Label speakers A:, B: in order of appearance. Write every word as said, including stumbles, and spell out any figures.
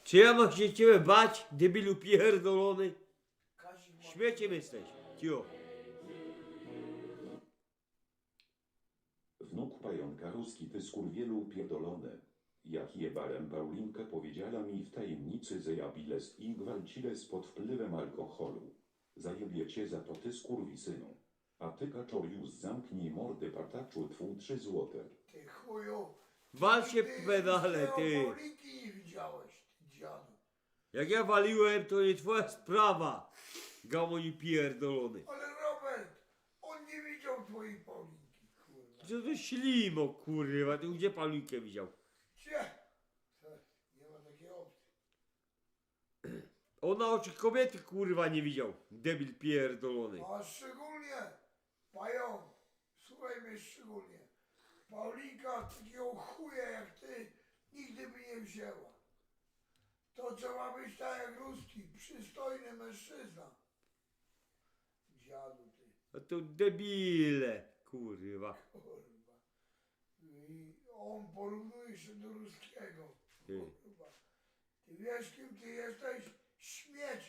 A: Czy ja mam się ciebie bać, debilu pierdolony?
B: Kazik ma...
A: Śmieciem jesteś, cio.
C: Wnuk pająka ruski ty skurwielu pierdolony. Jak jebarem Paulinkę powiedziała mi w tajemnicy, że ja biles i gwalciles pod wpływem alkoholu. Zajebie cię za to ty skurwisynu. A ty kaczorius zamknij mordy pataczu twój trzy złote.
B: Ty chuju.
A: Wal się
B: Ty
A: pedale, ty.
B: Paulinki nie widziałeś, ty dziadu.
A: Jak ja waliłem, to nie twoja sprawa. Gamoni pierdolony.
B: Ale Robert, on nie widział twojej Paulinki, kurwa.
A: Co to ślimo, kurwa, ty gdzie Paulinkę widział?
B: Gdzie? Nie ma takiej opcji.
A: On na oczy kobiety, kurwa, nie widział. Debil pierdolony.
B: A szczególnie, pająk, słuchaj mnie szczególnie. Paulinka takiego chuja jak ty nigdy by nie wzięła. To trzeba być tak jak ruski, przystojny mężczyzna. Dziadu ty,
A: A to debile, kurwa.
B: kurwa. I on porównuje się do ruskiego.
A: Ty.
B: Kurwa. Ty wiesz kim ty jesteś? Śmieć